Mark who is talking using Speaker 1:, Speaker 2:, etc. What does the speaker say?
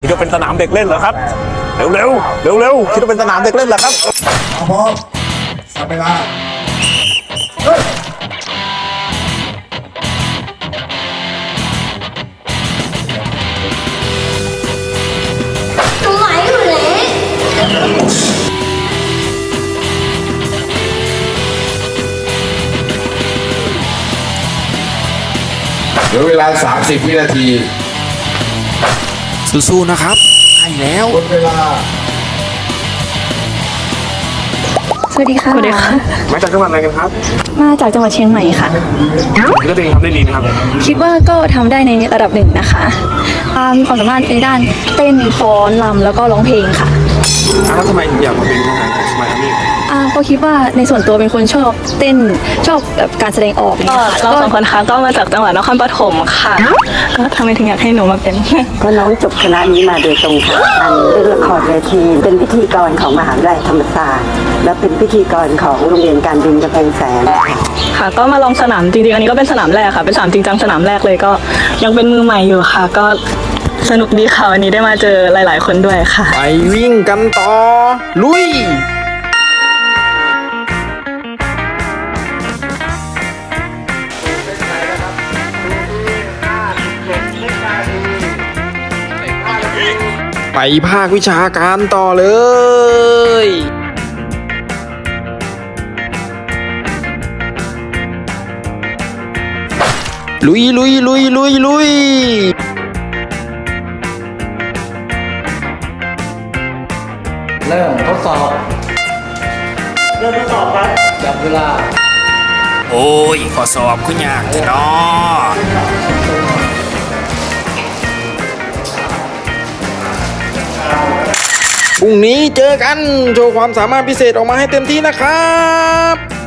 Speaker 1: คิดว่าเป็นสนามเด็กเล่นเหรอครับเร็วคิดว่าเป็นสนามเด็กเล่นเหรอครับ
Speaker 2: พร้อมสับเวลา
Speaker 3: ตัวไหวอยู่เลย
Speaker 2: เหลือเวลา30วินาที
Speaker 4: สู้ๆนะครับใกล้แล้ว
Speaker 2: หมดเวลา
Speaker 5: สวัสดีค่ะ
Speaker 1: มาจากจังหวัดอะไรกันครับ
Speaker 5: มาจากจังหวัดเชียงใหม่ค่ะ
Speaker 1: คิดว่าตัวเองทำได้ดีนะครับ
Speaker 5: คิดว่าก็ทำได้ในระดับหนึ่งนะคะมีความสามารถในด้านเต้นฟ้อนรำแล้วก็ร้องเพลงค่ะ
Speaker 1: แล้วทำไมถึงอยากมาเป็นทหารของสมัยอาร์มี่
Speaker 5: ก็คิดว่าในส่วนตัวเป็นคนชอบเต้นชอบแบบการแสดงออกอย่าง
Speaker 6: ก็
Speaker 5: เงี้ยค่ะ
Speaker 6: เราสองคนค่ะก็มาจากจังหวัดนครปฐมค่ะก็ทำไมถึงอยากให้หนูมาเป็น
Speaker 7: เพราะน้องจบคณะนี้มาโดยตรงค่ะทางเล่นละครเวทีเป็นพิธีกรของมหาวิทยาลัยธรรมศาสตร์และเป็นพิธีกรของโรงเรียนการบินกำแพงแสน
Speaker 6: ค่ะก็มาลองสนามจริงๆอันนี้ก็เป็นสนามแรกค่ะเป็นสนามจริงจังสนามแรกเลยก็ยังเป็นมือใหม่อยู่ค่ะ ก็สนุกดีค่ะวันนี้ได้มาเจอหลายๆคนด้วยค่ะ
Speaker 4: ไปวิ่งกันต่อ ลุย ไปภาควิชาการต่อเลย ลุย
Speaker 8: เริ่มทดสอบครับจับเวลา
Speaker 4: โอ้ยขอสอบคุณยากเนาะพรุ่งนี้เจอกัน โชว์ความสามารถพิเศษออกมาให้เต็มที่นะครับ